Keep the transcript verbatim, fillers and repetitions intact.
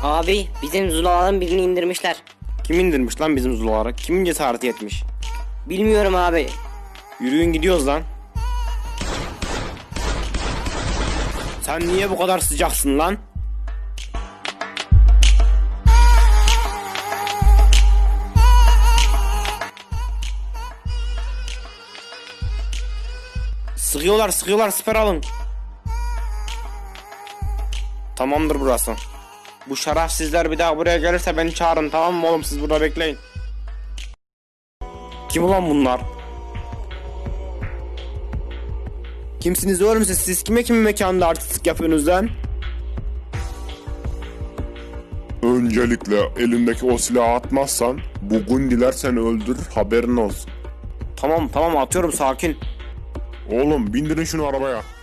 Abi bizim Zulaların birini indirmişler. Kim indirmiş lan bizim Zulaları? Kimin cesareti yetmiş? Bilmiyorum abi. Yürüyün gidiyoruz lan. Sen niye bu kadar sıcaksın lan? Sıkıyorlar sıkıyorlar, siper alın. Tamamdır burası. Bu şerefsizler bir daha buraya gelirse beni çağırın, tamam mı oğlum, siz burada bekleyin. Kim ulan bunlar? Kimsiniz oğlum siz? Siz kime kimin mekanında artistlik yapıyorsunuz lan? Öncelikle elindeki o silahı atmazsan bu gundiler seni öldürür, haberin olsun. Tamam tamam, atıyorum, sakin. Oğlum bindirin şunu arabaya.